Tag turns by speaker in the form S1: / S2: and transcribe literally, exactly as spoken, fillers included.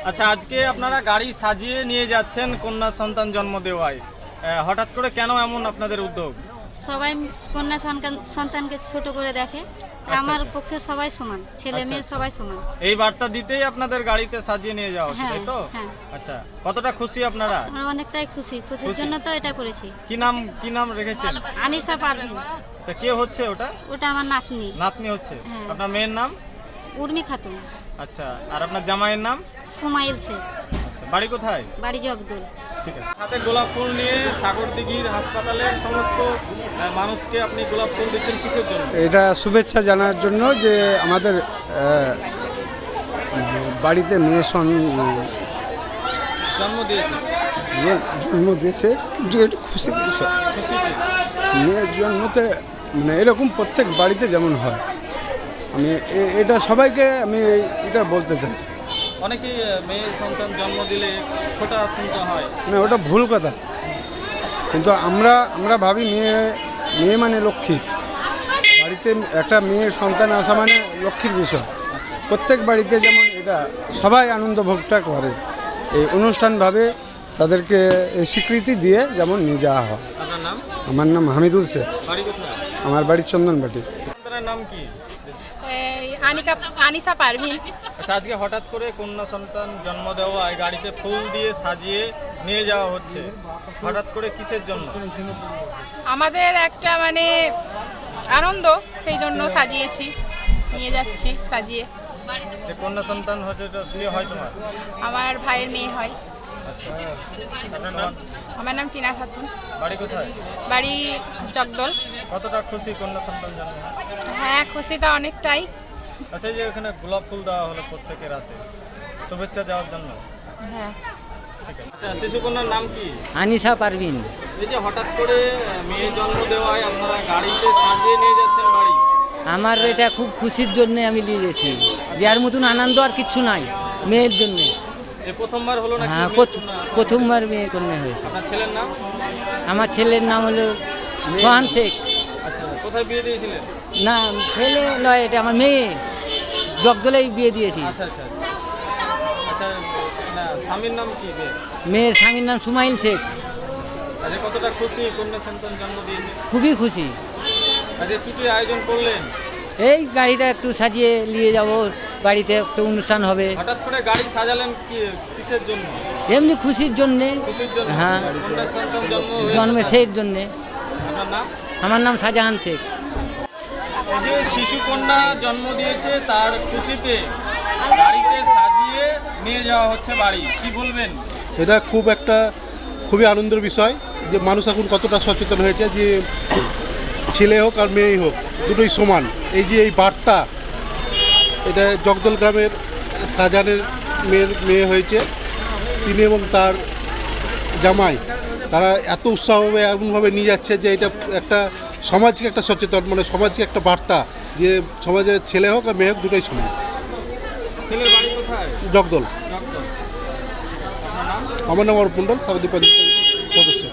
S1: আচ্ছা, আজকে আপনারা গাড়ি সাজিয়ে নিয়ে যাচ্ছেন কন্যা সন্তান জন্ম দেওয়ায়, হঠাৎ করে কেন এমন আপনাদের উদ্যোগ?
S2: সবাই কন্যা সন্তান- সন্তানকে ছোট করে দেখে, আমার
S1: আচ্ছা।
S2: পক্ষে সবাই সমান, ছেলে
S1: আচ্ছা,
S2: মেয়ে
S1: আচ্ছা।
S2: সবাই সমান।
S1: এই বার্তা দিতেই আপনাদের গাড়িতে সাজিয়ে নিয়ে যাওয়া হচ্ছে,
S2: হ্যাঁ,
S1: তাই তো?
S2: হ্যাঁ।
S1: আচ্ছা, কতটা খুশি আপনারা?
S2: আমরা অনেকটাই খুশি, খুশির
S1: খুশি?
S2: জন্য তো এটা করেছি।
S1: কি নাম কি নাম রেখেছেন?
S2: আনিসা পারভিন,
S1: আচ্ছা, কে হচ্ছে ওটা?
S2: ওটা আমার নাতনি
S1: নাতনি হচ্ছে।
S2: হ্যাঁ।
S1: আপনার মেয়ের নাম?
S2: উর্মি খাতুন।
S1: আচ্ছা, আর আপনার জামাইয়ের নাম?
S2: সোমাইল শেখ,
S1: আচ্ছা, বাড়ি কোথায়?
S2: বাড়ি জগদল।
S1: ঠিক আছে। হাতে গোলাপ ফুল নিয়ে সাগরদিঘির হাসপাতালের সমস্ত আহ, মানুষকে আপনি গোলাপ ফুল দিচ্ছেন কিসের জন্য?
S3: এটা শুভেচ্ছা জানার জন্য যে আমাদের আহ, বাড়িতে মেয়ে সন-
S1: জন্ম দিয়েছেন
S3: যে জন্ম দিয়েছে, কিন্তু একটু খুশি বিষয়।
S1: খুশিতে।
S3: মেয়ের জন্মতে মানে এরকম প্রত্যেক বাড়িতে যেমন হয়, আমি এ- এটা সবাইকে আমি এটা বলতে চাইছি।
S1: অনেকেই আহ, মেয়ে সন্তান জন্ম দিলে ফোঁটা শুনতে হয়।
S3: মানে ওটা ভুল কথা, কিন্তু আমরা আমরা ভাবি মেয়ে মেয়ে মানে লক্ষ্মী। বাড়িতে একটা মেয়ের সন্তান আসা মানে লক্ষ্মীর বিষয়। প্রত্যেক বাড়িতে যেমন এটা সবাই আনন্দ ভোগটা করে, এই অনুষ্ঠানভাবে তাদেরকে এই স্বীকৃতি দিয়ে যেমন নিয়ে যাওয়া হয়।
S1: আপনার নাম?
S3: আমার নাম হামিদুল শেখ,
S1: বাড়ি কোথায়?
S3: আমার বাড়ি চন্দনবাটি।
S1: আপনার নাম কি?
S4: এই আনিকা আনিসা পারভিন।
S1: আচ্ছা, আজকে হঠাৎ করে কন্যা সন্তান জন্ম দেওয়ায় গাড়িতে ফুল দিয়ে সাজিয়ে নিয়ে যাওয়া হচ্ছে, হঠাৎ করে কিসের জন্য?
S4: আমাদের একটা মানে আনন্দ, সেই জন্য সাজিয়েছি, নিয়ে যাচ্ছি সাজিয়ে।
S1: যে কন্যা সন্তান হচ্ছে, এটা বিয়ে হয় তোমার?
S4: আমার ভাইয়ের মেয়ে হয়।
S1: আচ্ছা, আপনার নাম?
S4: আমার নাম টিনা খাতুন,
S1: বাড়ি কোথায়?
S4: বাড়ি জগদল।
S1: কতটা খুশি কন্যা সন্তান জন্ম?
S4: হ্যাঁ, খুশিটা অনেকটাই।
S1: আচ্ছা, এই যে এখানে গোলাপ ফুল দেওয়া হলো প্রত্যেকের রাতে শুভেচ্ছা দেওয়ার জন্য।
S4: হ্যাঁ,
S1: ঠিক আছে। আচ্ছা, শিশু কন্যার নাম কি?
S5: আনিসা পারভিন।
S1: এই যে হঠাৎ করে মেয়ে জন্ম দেওয়ায় আপনারা গাড়িতে সাজিয়ে নিয়ে যাচ্ছেন বাড়ি,
S5: আমার এটা খুব খুশির জন্য আমি নিয়ে গেছি, যার মতন আনন্দ আর কিচ্ছু নাই মেয়ের জন্য।
S1: এই প্রথমবার হলো নাকি
S5: হ্যাঁ,
S1: মেয়ে
S5: প্রথ-
S1: কন্যা?
S5: প্রথমবার মেয়ে কন্যা হয়েছে।
S1: আপনার ছেলের নাম?
S5: আমার ছেলের নাম হলো সোহান শেখ।
S1: আচ্ছা, কোথায় বিয়ে দিয়েছিলেন?
S5: না, ছেলে নয়, এটা আমার মেয়ে, জগদলেই বিয়ে দিয়েছি।
S1: আচ্ছা আচ্ছা আচ্ছা। আচ্ছা, না স্বামীর নাম কি? বে?
S5: মেয়ের স্বামীর নাম সুমাইল শেখ।
S1: আজকে কতটা খুশি কন্যা সন্তান জন্ম দিয়েছে?
S5: খুবই খুশি।
S1: আজকে কি কি আয়োজন করলেন?
S5: এই গাড়িটা একটু সাজিয়ে নিয়ে যাব, বাড়িতে একটু অনুষ্ঠান হবে,
S1: হঠাৎ করে গাড়ি সাজালেন কি কিসের জন্য?
S5: এমনি খুশির জন্যে।
S1: খুশির জন্য?
S5: হ্যাঁ,
S1: কন্যা সন্তান জন্ম হয়েছে
S5: জন্মে
S1: তার।
S5: সেই জন্যে।
S1: আপনার নাম?
S5: আমার নাম শাহজাহান শেখ।
S1: এই যে শিশু কন্যা জন্ম দিয়েছে তার খুশিতে গাড়িতে সাজিয়ে নিয়ে যাওয়া হচ্ছে বাড়ি, কি বলবেন?
S6: এটা খুব একটা খুবই আনন্দের বিষয় যে মানুষ এখন কতটা সচেতন হয়েছে যে ছেলে হোক আর মেয়েই হোক দুটোই সমান। এই যে এই বার্তা, এটা জগদল গ্রামের শাহজাহানের মেয়ের মেয়ে হয়েছে, তিনি এবং তার জামাই তারা এত উৎসাহভাবে এমনভাবে নিয়ে যাচ্ছে যে এটা একটা সমাজকে একটা সচেতন, মানে সমাজকে একটা বার্তা যে সমাজে ছেলে হোক আর মেয়ে হোক দুটোই সমান।
S1: ছেলের বাড়ি কোথায়?
S6: জগদল।
S1: জগদল। আপনার নাম?
S6: আমার নাম অর্প মণ্ডল, সাউদি পঞ্চায়েত সদস্য।